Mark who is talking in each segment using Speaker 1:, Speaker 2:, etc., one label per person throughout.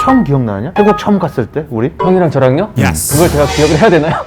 Speaker 1: 처음 기억나냐? 태국 처음 갔을 때 우리?
Speaker 2: 형이랑 저랑요?
Speaker 3: Yes.
Speaker 2: 그걸 제가 기억을 해야 되나요?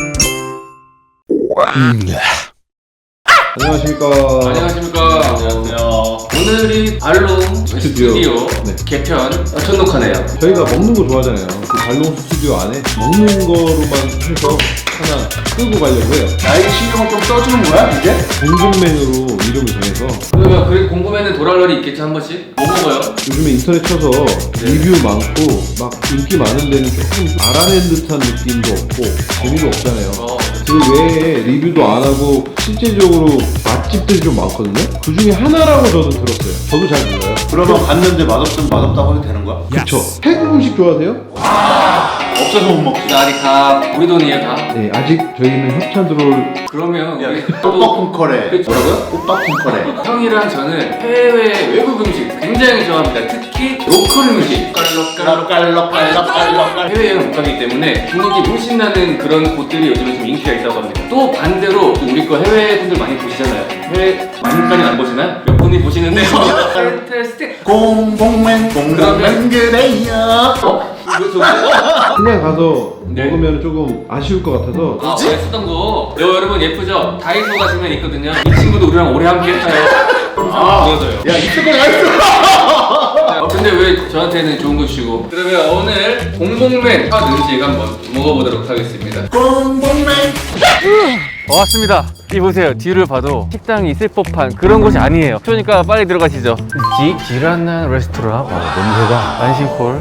Speaker 4: 안녕하십니까.
Speaker 5: 안녕하십니까. 안녕하세요. 오늘이 알롱 스튜디오 개편 첫 녹화네요.
Speaker 4: 저희가 먹는 거 좋아하잖아요. 그 발롱 스튜디오 안에 먹는 거로만 해서 하나 끌고 가려고 해요.
Speaker 5: 나에게 신경을 좀 써주는 거야 이제?
Speaker 4: 공공맨으로 이름을 정해서
Speaker 5: 그러면 그래도 궁금해는 도랄러리 있겠지 한 번씩? 뭐 먹어요?
Speaker 4: 요즘에 인터넷 쳐서 리뷰 많고 막 인기 많은 데는 조금 알아낸 듯한 느낌도 없고 재미도 없잖아요. 그 외에 리뷰도 안 하고 실제적으로 맛집들이 좀 많거든요. 그 중에 하나라고 저도 들었어요. 저도 잘 몰라요.
Speaker 1: 그러면 갔는데 맛없으면 맛없다고 해도 되는 거야?
Speaker 4: 그쵸? 태국 음식 좋아하세요?
Speaker 1: 없어서 못 먹지.
Speaker 5: 나 아직 다 우리 돈이에요 다.
Speaker 4: 네, 아직 저희는 협찬 들어올
Speaker 5: 그러면 우리
Speaker 1: 꽃밥콩커레.
Speaker 5: 뭐라고요?
Speaker 1: 꽃밥콩커레.
Speaker 5: 형이랑 저는 해외 외국 음식 굉장히 좋아합니다. 특히 로컬 음식.
Speaker 1: 깔럭깔럭깔럭깔럭깔.
Speaker 5: 해외여행 못 가기 때문에 분위기 물씬 나는 그런 곳들이 요즘에 좀 인기가 있다고 합니다. 또 반대로 우리 거 해외 분들 많이 보시잖아요. 해외 많이까지 안 보시나요? 몇 분이 보시는데 스틱
Speaker 1: 공공맨 공공맨 그래요.
Speaker 4: 그냥 가서
Speaker 5: 네.
Speaker 4: 먹으면 조금 아쉬울 것 같아서
Speaker 5: 아, 원래 쓰던 거. 여러분 예쁘죠? 다이소 가시면 있거든요. 이 친구도 우리랑 오래 함께 했어요. 보여줘요.
Speaker 1: 야 있을 거 다 있어.
Speaker 5: 근데 왜 저한테는 좋은 거 주시고? 그러면 오늘 공복맨 핫 음식 한번 먹어보도록 하겠습니다.
Speaker 1: 공공맨.
Speaker 2: 왔습니다. 이 보세요. 뒤를 봐도 식당이 있을 법한 그런 곳이 아니에요. 그러니까 빨리 들어가시죠. 지란난 레스토랑. 냄새가 안심콜.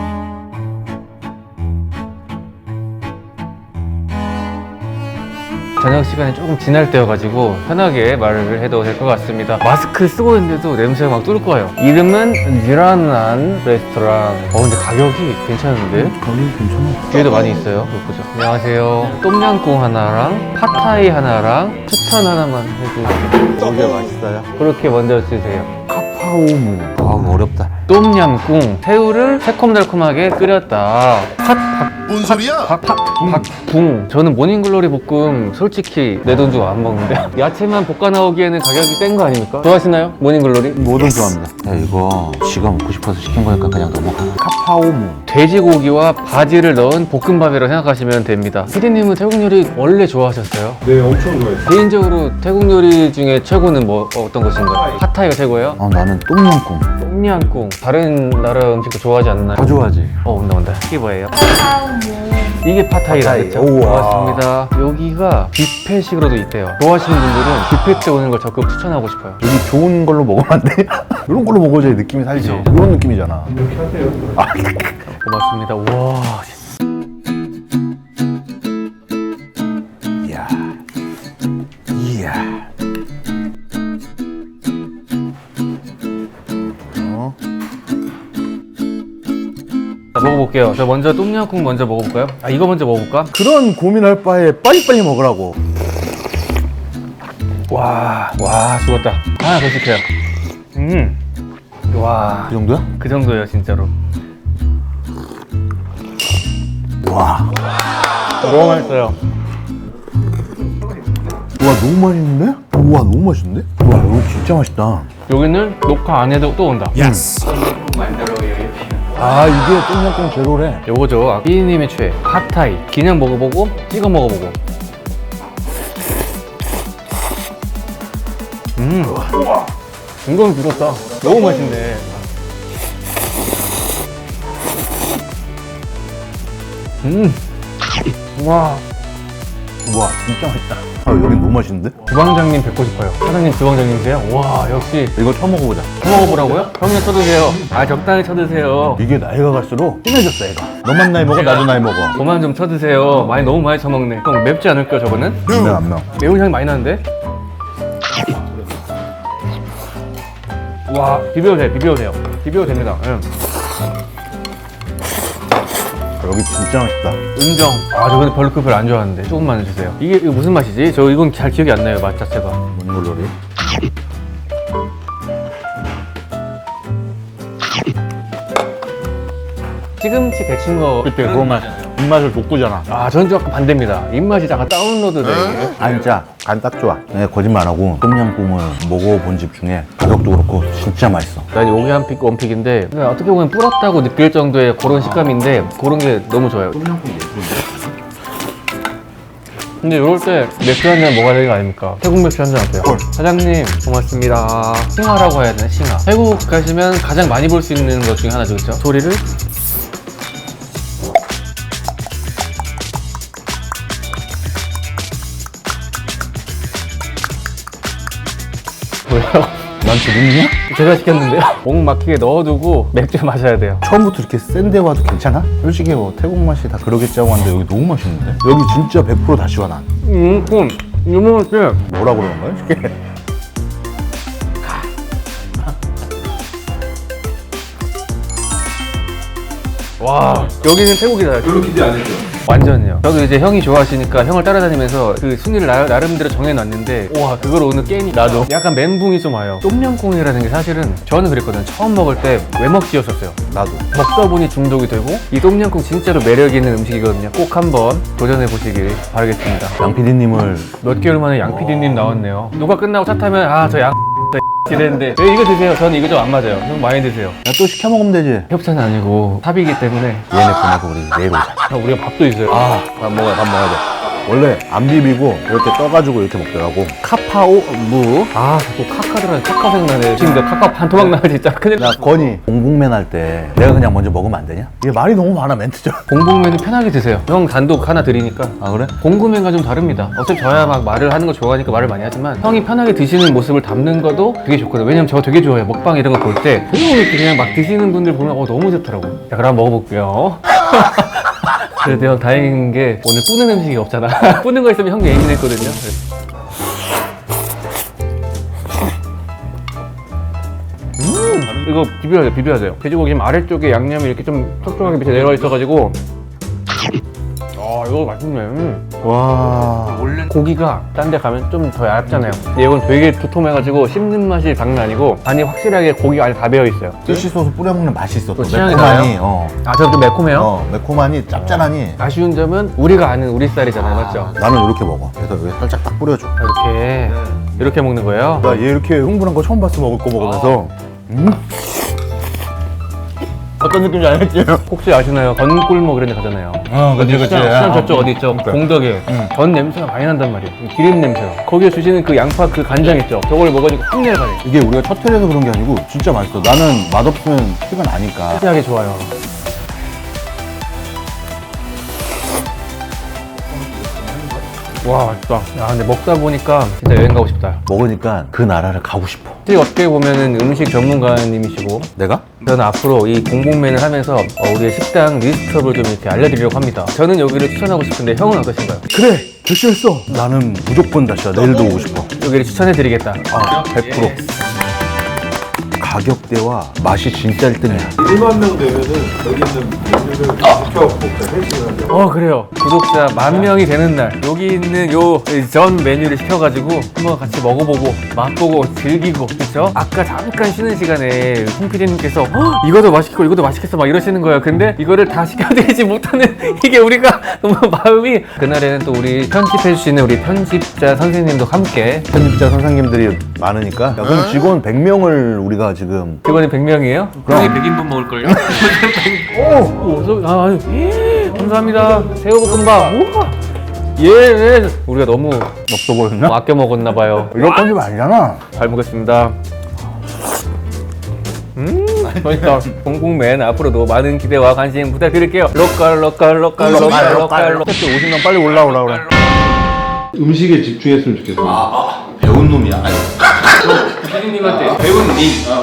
Speaker 2: 저녁 시간이 조금 지날 때여가지고 편하게 말을 해도 될 것 같습니다. 마스크 쓰고 있는데도 냄새가 막 뚫을 거예요. 이름은 지란난 레스토랑. 근데 가격이 괜찮은데?
Speaker 1: 가격 괜찮아.
Speaker 2: 뒤에도 많이 있어요. 이거 보죠. 안녕하세요. 똠양꿍 하나랑 팟타이 하나랑 추천 하나만 해주세요.
Speaker 1: 이게 맛있어요.
Speaker 2: 그렇게 먼저 주세요.
Speaker 1: 카파오무. 아 어렵다.
Speaker 2: 똠양꿍 새우를 새콤달콤하게 끓였다.
Speaker 3: 뭔 소리야?
Speaker 2: 박붕. 저는 모닝글로리 볶음 솔직히 내 돈 주고 안 먹는데 야채만 볶아 나오기에는 가격이 센 거 아닙니까? 좋아하시나요? 모닝글로리?
Speaker 1: 뭐든 좋아합니다. 야 이거 지가 먹고 싶어서 시킨 거니까 그냥 넘어가. 카파오무.
Speaker 2: 돼지고기와 바지를 넣은 볶음밥이라고 생각하시면 됩니다. 피디님은 태국 요리 원래 좋아하셨어요?
Speaker 4: 네, 엄청 좋아했어요.
Speaker 2: 개인적으로 태국 요리 중에 최고는 뭐 어떤 것인가요? 팟타이가 최고예요?
Speaker 1: 나는 똠양꿍.
Speaker 2: 똠양꿍. 다른 나라 음식도 좋아하지 않나요?
Speaker 1: 다 좋아하지.
Speaker 2: 온다. 이게 뭐예요? 이게 팟타이라
Speaker 1: 팟타이.
Speaker 2: 그랬죠?
Speaker 1: 우와.
Speaker 2: 고맙습니다. 여기가 뷔페식으로도 있대요. 좋아하시는 분들은 뷔페 때 오는 걸 적극 추천하고 싶어요.
Speaker 1: 여기 좋은 걸로 먹으면 안 돼? 이런 걸로 먹어줘야 느낌이 살지.
Speaker 2: 그쵸.
Speaker 1: 이런 느낌이잖아.
Speaker 2: 고맙습니다. 우와.
Speaker 1: 이야. 이야.
Speaker 2: 자, 먹어볼게요. 저 먼저 똠양꿍 먼저 먹어볼까요? 이거 먼저 먹어볼까?
Speaker 1: 그런 고민할 바에 빨리빨리 먹으라고. 와.
Speaker 2: 죽었다. 하나 더 시켜요. 와.
Speaker 1: 그 정도야?
Speaker 2: 그 정도예요, 진짜로.
Speaker 1: 와.
Speaker 2: 너무 맛있어요.
Speaker 1: 와 너무 맛있는데? 우와 너무 맛있는데? 와 이거 진짜 맛있다.
Speaker 2: 여기는 녹화 안 해도 또 온다.
Speaker 3: Yes.
Speaker 1: 이게 똠양꿍 제로래.
Speaker 2: 요거죠. 피디님의 최애. 팟타이. 그냥 먹어보고 찍어 먹어보고. 이건 죽었다. 너무 맛있네. 와.
Speaker 1: 와 진짜 맛있다. 여긴 너무 맛있는데?
Speaker 2: 주방장님 뵙고 싶어요. 사장님 주방장님이세요? 와, 역시.
Speaker 1: 이거 처먹어보자.
Speaker 2: 먹어보라고요? 형님 쳐드세요. 적당히 쳐드세요.
Speaker 1: 이게 나이가 갈수록 진해졌어 애가. 너만 나이 먹어 나도 나이 먹어.
Speaker 2: 그만 좀 쳐드세요. 너무 많이 쳐먹네. 형, 맵지 않을까요, 저거는?
Speaker 1: 근데 안 나.
Speaker 2: 매운 향이 많이 나는데? 와, 비벼도 돼요. 됩니다. 응.
Speaker 1: 여기 진짜 맛있다.
Speaker 2: 인정. 저 근데 별로 안 좋아하는데. 조금만 주세요. 이거 무슨 맛이지? 저 이건 잘 기억이 안 나요, 맛 자체가.
Speaker 1: 몬골로리.
Speaker 2: 시금치 데친 거.
Speaker 1: 그때 그거 맛. 입맛을 돋구잖아.
Speaker 2: 아, 저는 좀 약간 반대입니다. 입맛이 약간 다운로드 돼.
Speaker 1: 안 짜. 간 딱 좋아. 내가 거짓말 안 하고 똠양꿍을 먹어본 집 중에 가격도 그렇고 진짜 맛있어.
Speaker 2: 난 요게 한 픽, 원픽인데 그냥 어떻게 보면 불었다고 느낄 정도의 그런 식감인데 그런 게 너무 좋아요.
Speaker 1: 똠양꿍 예술인데.
Speaker 2: 근데 이럴 때 맥주 한 잔 먹어야 되는 거 아닙니까? 태국 맥주 한 잔 어때요? 사장님 고맙습니다. 싱하라고 해야 되나? 싱하. 태국 가시면 가장 많이 볼 수 있는 것 중에 하나죠, 그렇죠? 소리를 뭐야?
Speaker 1: 나한테 묻냐?
Speaker 2: 제가 시켰는데요. 목 막히게 넣어두고 맥주 마셔야 돼요.
Speaker 1: 처음부터 이렇게 센데 와도 괜찮아? 솔직히 뭐 태국 맛이 다 그러겠지 하고 왔는데 여기 너무 맛있는데? 여기 진짜 100% 다 시원한.
Speaker 2: 그럼 이거 먹을 때
Speaker 1: 뭐라 그러는 거야? 이게?
Speaker 2: 와, 여기는 태국이다.
Speaker 4: 별로 기대 안 했죠.
Speaker 2: 완전요. 저도 이제 형이 좋아하시니까 형을 따라다니면서 그 순위를 나름대로 정해놨는데 와, 그걸 오늘 깨니 나도 약간 멘붕이 좀 와요. 똠양꿍이라는 게 사실은 저는 그랬거든요. 처음 먹을 때 왜 먹지였었어요.
Speaker 1: 나도.
Speaker 2: 먹다 보니 중독이 되고 이 똠양꿍 진짜로 매력 있는 음식이거든요. 꼭 한번 도전해 보시길 바라겠습니다.
Speaker 1: 양 PD님을
Speaker 2: 몇 개월 만에 양 PD님 나왔네요. 누가 끝나고 차 타면 아, 저 양 이랬는데 왜 이거 드세요? 저는 이거 좀 안 맞아요. 좀 많이 드세요.
Speaker 1: 야, 또 시켜 먹으면 되지.
Speaker 2: 협찬은 아니고 탑이기 때문에
Speaker 1: 얘네 보내고 우리 내일 오자.
Speaker 2: 우리가 밥도 있어요.
Speaker 1: 아, 밥 먹어야 돼. 원래 안 비비고 이렇게 떠가지고 이렇게 먹더라고. 카파오 무.
Speaker 2: 아, 자꾸 카카들은 카카 생각나네. 지금 내 카카 한 토막 나면 진짜 큰일
Speaker 1: 야, 건이 공복맨 할 때 내가 그냥 먼저 먹으면 안 되냐? 이게 말이 너무 많아, 멘트죠.
Speaker 2: 공복맨은 편하게 드세요. 형 단독 하나 드리니까.
Speaker 1: 아, 그래?
Speaker 2: 공구맨과 좀 다릅니다. 어차피 저야 막 말을 하는 거 좋아하니까 말을 많이 하지만 형이 편하게 드시는 모습을 담는 것도 되게 좋거든요. 왜냐면 저 되게 좋아해요. 먹방 이런 거 볼 때 조금 이렇게 그냥 막 드시는 분들 보면 너무 좋더라고요. 자, 그럼 먹어볼게요. 그래도 형 다행인 게 오늘 뿌는 음식이 없잖아. 뿌는 거 있으면 형 예민했거든요. 이거 비벼야 돼요. 돼지고기 아래쪽에 양념이 이렇게 좀 촉촉하게 밑에 내려와 있어가지고 이거 맛있네.
Speaker 1: 와.
Speaker 2: 고기가 딴 데 가면 좀 더 얇잖아요. 근데 이건 되게 두툼해가지고 씹는 맛이 장난 아니고 안이 확실하게 고기가 안에 다 배어있어요.
Speaker 1: 스시 소스 뿌려 먹는 맛이 있어.
Speaker 2: 또
Speaker 1: 또
Speaker 2: 취향이
Speaker 1: 매콤하니.
Speaker 2: 나요? 아, 저도 매콤해요?
Speaker 1: 매콤하니 짭짤하니.
Speaker 2: 아쉬운 점은 우리가 아는 우리 쌀이잖아요. 맞죠?
Speaker 1: 나는 이렇게 먹어. 그래서 여기 살짝 딱 뿌려줘.
Speaker 2: 이렇게 먹는 거예요?
Speaker 1: 나 얘 이렇게 흥분한 거 처음 봤어. 먹을 거 먹으면서. 어떤 느낌인지 알겠지?
Speaker 2: 혹시 아시나요? 건꿀목 이런 데 가잖아요. 시장 저쪽 어디 있죠? 공덕에 전 냄새가 많이 난단 말이에요. 기름 냄새가. 거기에 주시는 그 양파 그 간장 있죠? 저걸 먹어가지고 확 내려가네.
Speaker 1: 이게 우리가 첫 회에서 그런 게 아니고 진짜 맛있어. 나는 맛없으면 티가 나니까.
Speaker 2: 특이하게 좋아요. 와, 맛있다. 야, 근데 먹다 보니까 진짜 여행 가고 싶다.
Speaker 1: 먹으니까 그 나라를 가고 싶어.
Speaker 2: 솔직히 어떻게 보면은 음식 전문가님이시고
Speaker 1: 내가?
Speaker 2: 저는 앞으로 이 공복맨을 하면서 우리의 식당 리스트업을 좀 이렇게 알려드리려고 합니다. 저는 여기를 추천하고 싶은데 형은 어떠신가요?
Speaker 1: 그래! 결심했어! 나는 무조건 다시야. 내일도 오고 싶어.
Speaker 2: 여기를 추천해드리겠다.
Speaker 1: 100%. 가격대와 맛이 진짜 1등이야.
Speaker 4: 1만 명 되면은 여기 있는 메뉴를 시켜갖고 회식을 하죠.
Speaker 2: 그래요. 구독자 10,000명이 되는 날 여기 있는 요 전 메뉴를 시켜가지고 한번 같이 먹어보고 맛보고 즐기고 그렇죠? 아까 잠깐 쉬는 시간에 홍 PD님께서 이것도 맛있고 이것도 맛있겠어 막 이러시는 거예요. 근데 이거를 다 시켜드리지 못하는 이게 우리가 너무 마음이 그날에는 또 우리 편집해주시는 우리 편집자 선생님도 함께
Speaker 1: 편집자 선생님들이 많으니까. 야, 그럼 직원 100명을 우리가 지금.
Speaker 2: 직원이 100명이에요?
Speaker 5: 형이 100인분 먹을걸요?
Speaker 2: 감사합니다. 새우볶음밥. 우와. 예. 우리가 너무
Speaker 1: 없어 보였나?
Speaker 2: 아껴 먹었나봐요.
Speaker 1: 이럴 건지 아니잖아.
Speaker 2: 잘 먹겠습니다. 맛있다. 공복맨 앞으로도 많은 기대와 관심 부탁드릴게요. 로컬. 또 50명 빨리 올라오라 그래.
Speaker 4: 음식에 집중했으면 좋겠어요.
Speaker 1: 배운 놈이야.
Speaker 5: 피디님한테 배운 님